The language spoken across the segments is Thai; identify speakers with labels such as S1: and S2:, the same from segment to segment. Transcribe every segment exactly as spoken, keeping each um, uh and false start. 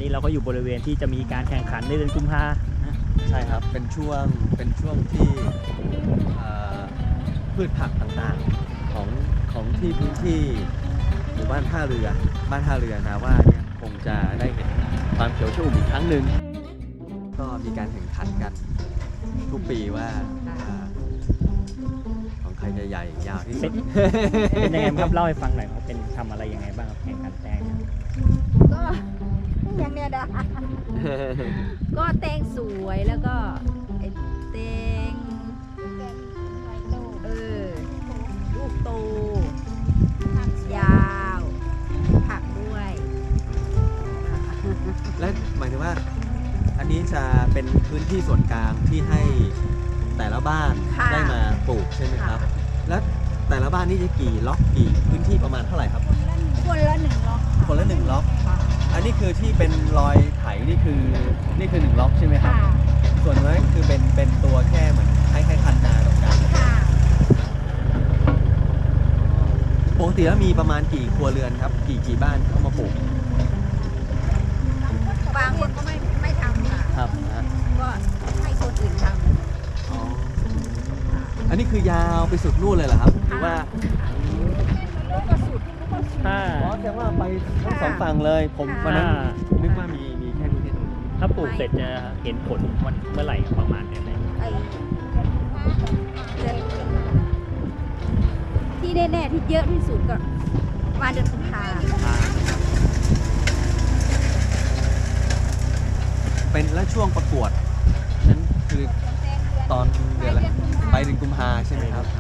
S1: นี้เราก็อยู่บริเวณที่จะมีการแข่งขันในเดือนกุมภา
S2: ใช่ครับเป็นช่วงเป็นช่วงที่พืชผักต่างๆของของที่พื้นที่หมู่บ้านท่าเรือบ้านท่าเรือนาว่าเนี่ยคงจะได้เห็นความเขียวชอุ่มอีกครั้งหนึ่งก็มีการแข่งขันกันทุกปีว่าของใครจะใหญ่ยาวที่สุด
S1: เป็นยังไงครับเล่าให้ฟังหน่อยเขาเป็นทำอะไรยังไงบ้างครับแข่งขันแตง
S3: ก็อย่างเนี้ยนะก็แตงสวยแล้วก็ไอ้แตงเออลูกโตยาวผักด้วย
S2: และหมายถึงว่าอันนี้จะเป็นพื้นที่ส่วนกลางที่ให้แต่ละบ้านได้มาปลูกใช่ไหมครับแล้วแต่ละบ้านนี่จะกี่ล็อกกี่พื้นที่ประมาณเท่าไหร่ครับ
S3: คนละหนึ่งล็อก
S2: คนละหนึ่งล็อกอันนี้คือที่เป็นรอยไถนี่คือนี่คือหนึ่งล็อกใช่ไหมครับส่วนนั้นคือเป็นเป็นตัวแค่เหมือนคล้ายๆคันนาตรงกลางปกติแล้วมีประมาณกี่ครัวเรือนครับกี่กี่บ้านเข้ามาปลูก
S3: บางคนก็ไม่ไม่ทำค่ะ
S2: ครับ
S3: ก็ให้คนอื่นทำ
S2: อ๋ออันนี้คือยาวไปสุดนู่นเลยเหรอครับหรือว่า
S3: ก็สุด
S2: อ๋อแสดงว่าไปทั้งสองฝั่งเลยผมวันนั้นนึกว่ามีมีแค่นี้
S1: ถ้าปลูกเสร็จจะเห็นผลวันเมื่อไหร่ประมาณไหน
S3: ที่แน่ๆที่เยอะที่สุดก็มาเดือนกุมภา
S2: เป็นและช่วงประกวดนั้นคือตอนเดือนอะไรไปเดือนกุมภาใช่ไหมครับ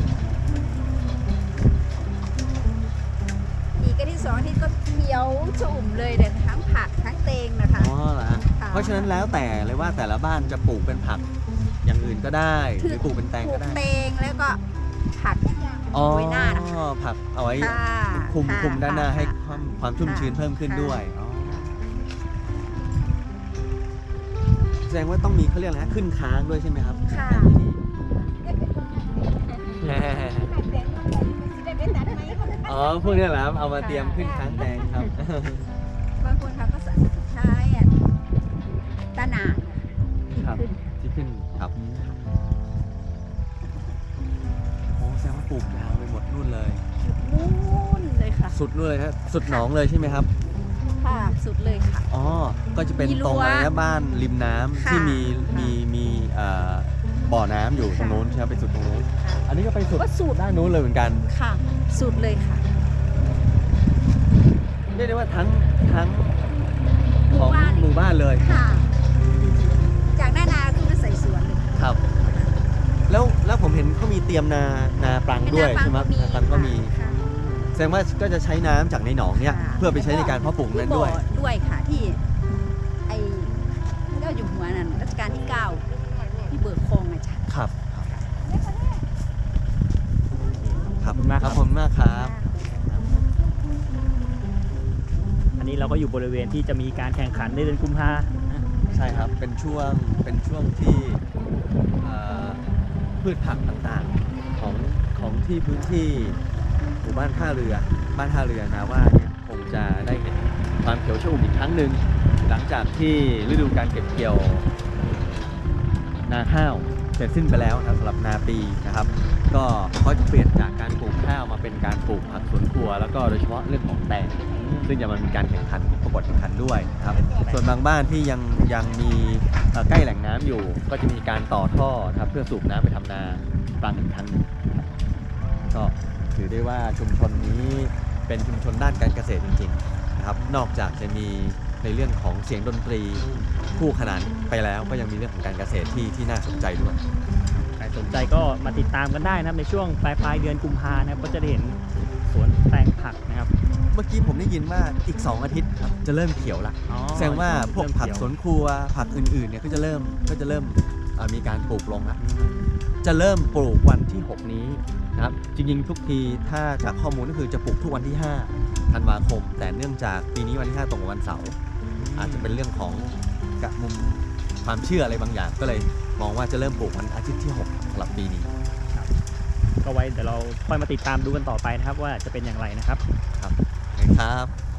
S3: อีกที่สองที่ก็เขียวชุ่มเลยเด็ดทั้งผักทั้งเตงนะคะ
S2: อ๋อเหรอฮะเพราะฉะนั้นแล้วแต่เลยว่าแต่ละบ้านจะปลูกเป็นผักอย่างอื่นก็ได้หรือปลูกเป็นแตงก็ได้
S3: เตงแล้วก็ผักไว้หน้านะคะ
S2: ผักเอาไว้คุมคุมด้านหน้าให้ความความชุ่มชื้นเพิ่มขึ้นด้วยแสดงว่าต้องมีเขาเรียกอะไรขึ้นค้างด้วยใช่ไหมครับ
S3: ค่ะ
S2: อ๋อพวกนี้แหละเอามาเตรียมขึ้นค้างแตงครับ
S3: บางคนเขาก็ใช้ตะหนา
S2: ครับที่ขึ้นครับโอ้แสดงว่าปลูกยาวไปหมดนู่นเลย
S3: นู่นเลยค่ะ
S2: สุดเลยครับสุดหนองเลยใช่ไหมครับ
S3: ค่ะสุดเลยค่ะ
S2: อ๋อก็จะเป็นตรงอะไรนะบ้านริมน้ำที่มีมีมีบ่อน้ำอยู่ตรงโน้นใช่ไหมไปสุดตรงโน้นอันนี้ก็ไปสุดสุดด้านโน้นเลยเหมือนกัน
S3: ค่ะสุดเลยค่ะ
S2: เรียกได้ว่าทั้งทั้งของหมู่บ้านเลย
S3: ค่ะจากหน้านาขึ้นมาใส่สวนเลย
S2: ครับแล้วแล้วผมเห็นเขามีเตรียมนานาปรังด้วยใช่ไหมนาปรังก็มีแสดงว่าก็จะใช้น้ำจากในหนองเนี่ยเพื่อไปใช้ในการเพาะปลูกนั้นด้วย
S3: ด้วยค่ะที่ไอ้เจ้าอยู่หัวนั่นรัชกาลที่เก้าที่เบิกคลองไงจ้ะ
S2: ครับครับมากครับผมมากครับ
S1: อันนี้เราก็อยู่บริเวณที่จะมีการแข่งขันในเดือนกุมภา
S2: ใช่ครับเป็นช่วงเป็นช่วงที่พืชผักต่างๆของของที่พื้นที่หมู่บ้านท่าเรือบ้านท่าเรือนาว่าเนี่ยคงจะได้เห็นความเขียวชอุ่มอีกครั้งหนึ่งหลังจากที่ฤดูการเก็บเกี่ยวนาข้าวเสร็จสิ้นไปแล้วนะสำหรับนาปีนะครับก็เขาจะเปลี่ยนจากการปลูกข้าวมาเป็นการปลูกผักสวนครัวแล้วก็โดยเฉพาะเรื่องของแตงซึ่งจะมันมีการแข่งขันประกวดแข่งขันด้วยนะครับส่วนบางบ้านที่ยังยังมีใกล้แหล่งน้ำอยู่ก็จะมีการต่อท่อนะครับเพื่อสูบน้ำไปทำนาปรังอีกครั้งนึงก็ถือได้ว่าชุมชนนี้เป็นชุมชนด้านการเกษตรจริงๆนะครับนอกจากจะมีในเรื่องของเสียงดนตรีคู่ขนานไปแล้วก็ยังมีเรื่องของการเกษตรที่ที่น่าสนใจด้วย
S1: ใครสนใจก็มาติดตามกันได้นะครับในช่วงปลายปลายเดือนกุมภานะครับก็จะได้เห็นสวนแตงผักนะครับ
S2: เมื่อกี้ผมได้ยินว่าอีกสองอาทิตย์ครับจะเริ่มเขียวละแสดงว่าพวกผักสวนครัวผักอื่นๆเนี่ยก็จะเริ่มก็จะเริ่มมีการปลูกลงละจะเริ่มปลูกวันที่หกนี้นะครับจริงๆทุกทีถ้าจากข้อมูลก็คือจะปลูกทุกวันที่ห้าธันวาคมแต่เนื่องจากปีนี้วันที่ห้าตรงกับวันเสาร์อาจจะเป็นเรื่องของกะมุมความเชื่ออะไรบางอย่างก็เลยมองว่าจะเริ่มปลูกวันอาทิตย์ที่หกสำหรับปีนี้
S1: ก็ไว้เดี๋ยวเราค่อยมาติดตามดูกันต่อไปนะครับว่าจะเป็นอย่างไรนะครับ
S2: ครับครับ